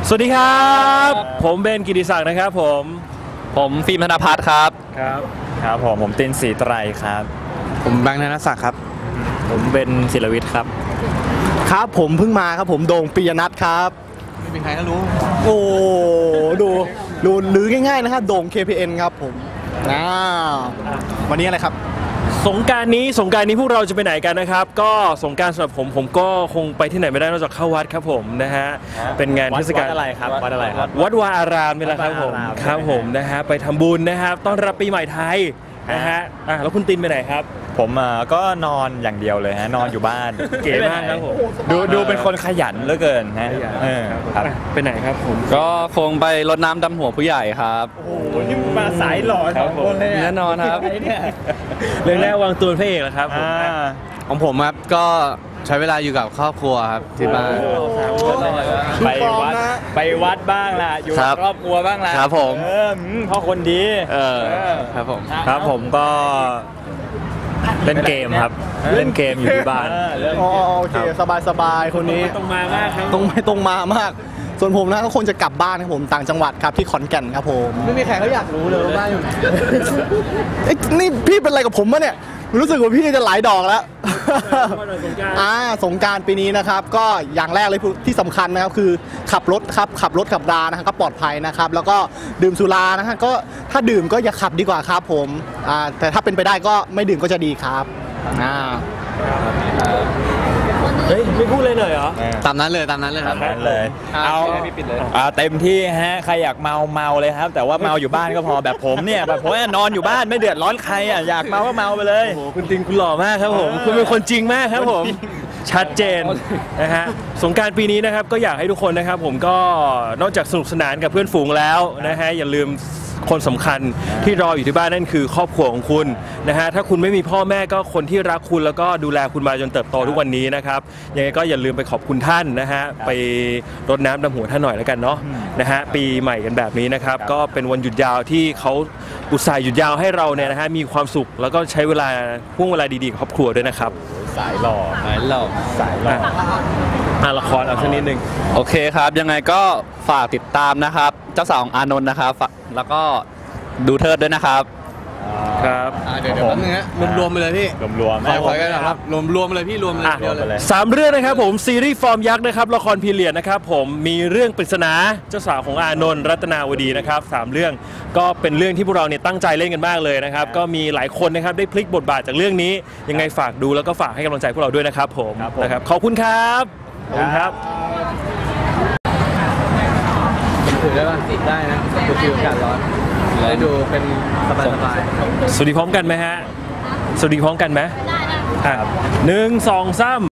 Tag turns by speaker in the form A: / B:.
A: สวัสดีครับผมเบนกิติศักดิ์นะครับผม
B: ฟิล์มธนภัทรครับ
A: ครับผมตินศรีไตรครับ
C: ผมแบงค์ธนศักดิ์ครับ
A: ผมเบนศิลวิทย์ครับ
C: ครับผมเพิ่งมาครับผมโด่งปิยนัทครับไม่มีใครก็รู้โอ้ดูหรือง่ายๆนะครับโด่ง KPN ครับผมวันนี้อะไรครับ
A: สงกรานต์นี้พวกเราจะไปไหนกันนะครับก็สงกรานต์สำหรับผมก็คงไปที่ไหนไม่ได้นอกจากเข้าวัดครับผมนะฮะเป็นงานเทศกาลอะไรครับวัดวาอารามนี่แหละครับผมนะฮะไปทำบุญนะครับต้อนรับปีใหม่ไทยนะฮะแล้วคุณตินไปไหนครับ
D: ผมก็นอนอย่างเดียวเลยฮะนอนอยู่บ้าน
A: เก๋มากครับผม
D: ดูเป็นคนขยันเหลือเกินฮะ
A: ครับไปไหนครับผม
B: ก็คงไปรดน้ำดำหัวผู้ใหญ่ครับ
D: โอ้โหนี่มาสายหล่อครับคนเลย
B: แน่นอนครับ
A: เรื่องแรกวางตัวพระเอกแล้วครับ
B: ของผมครับก็ใช้เวลาอยู่กับครอบครัวครับที่บ้าน
D: ไปวัดบ้างล่ะอยู่กับครอบครัวบ้างล่ะ
B: ครับผม
D: พ่อคนดี
B: ครับ
A: ผมก็เล่นเกมครับเล่นเกมอยู่ที่บ้าน
C: โอเคสบายคนนี้
A: ตรงมามากครับ
C: ตรงมามากส่วนผมนะก็คงจะกลับบ้านครับผมต่างจังหวัดครับที่ขอนแก่นครับผมไม่มีใครเขาอยากรู้เลยว่าบ้านอยู่ไหนนี่พี่เป็นอะไรกับผมมะเนี่ยรู้สึกว่าพี่จะหลายดอกแล้วสงกรานต์ปีนี้นะครับก็อย่างแรกเลยที่สำคัญนะครับคือขับรถขับรานะครับก็ปลอดภัยนะครับแล้วก็ดื่มสุรานะฮะก็ถ้าดื่มก็อย่าขับดีกว่าครับผมแต่ถ้าเป็นไปได้ก็ไม่ดื่มก็จะดีครับ
A: เฮ้ยไม่พูดเลยเหรอ
B: ตามนั้นเลยครับ
D: เลยเอาเต็มที่ฮะใครอยากเมาเลยครับแต่ว่าเมาอยู่บ้านก็พอแบบผมเนี่ยแบบผมนอนอยู่บ้านไม่เดือดร้อนใครอยากเมาก็เมาไปเลย
A: โอ้โหคุณติงคุณหล่อมากครับผมคุณเป็นคนจริงมากครับผมชัดเจนนะฮะสงกรานต์ปีนี้นะครับก็อยากให้ทุกคนนะครับผมก็นอกจากสนุกสนานกับเพื่อนฝูงแล้วนะฮะอย่าลืมคนสำคัญที่รออยู่ที่บ้านนั่นคือครอบครัวของคุณนะฮะถ้าคุณไม่มีพ่อแม่ก็คนที่รักคุณแล้วก็ดูแลคุณมาจนเติบโตทุกวันนี้นะครับยังไงก็อย่าลืมไปขอบคุณท่านนะฮะไปรดน้ำดำหัวท่านหน่อยแล้วกันเนาะนะฮะปีใหม่กันแบบนี้นะครับก็เป็นวันหยุดยาวที่เขาอุตส่าห์หยุดยาวให้เราเนี่ยนะฮะมีความสุขแล้วก็ใช้เวลาห่วงเวลาดีๆกับครอบครัวด้วยนะครับ
D: สายหล่อ
A: ละครเอาสักนิดนึง
B: โอเคครับยังไงก็ฝากติดตามนะครับเจ้าสาวของอานนท์นะครับแล้วก็ดูเทิดด้วยนะครับ
A: ครับ
C: เดี๋ยวแป๊บนึงฮะรวมไปเลยพี่
D: รวม
C: ขอกันนะครับรวมเลยพี่รวมเลย
A: 3 เรื่องนะครับผมซีรีส์ฟอร์มยักษ์นะครับละครพีเรียดนะครับผมมีเรื่องปริศนาเจ้าสาวของอานนท์รัตนาวดีนะครับ3 เรื่องก็เป็นเรื่องที่พวกเราเนี่ยตั้งใจเล่นกันมากเลยนะครับก็มีหลายคนนะครับได้พลิกบทบาทจากเรื่องนี้ยังไงฝากดูแล้วก็ฝากให้กำลังใจพวกเราด้วยนะครับผมนะครับขอบคุณครับขอบคุณครับ
C: ถือได้ป่ะได้นะดูอากาศร้อนได้ดูเป็นสบาย
A: สวัสดีพร้อมกันไหมฮะสวัสดีพร้อมกันไหมได้1 2 3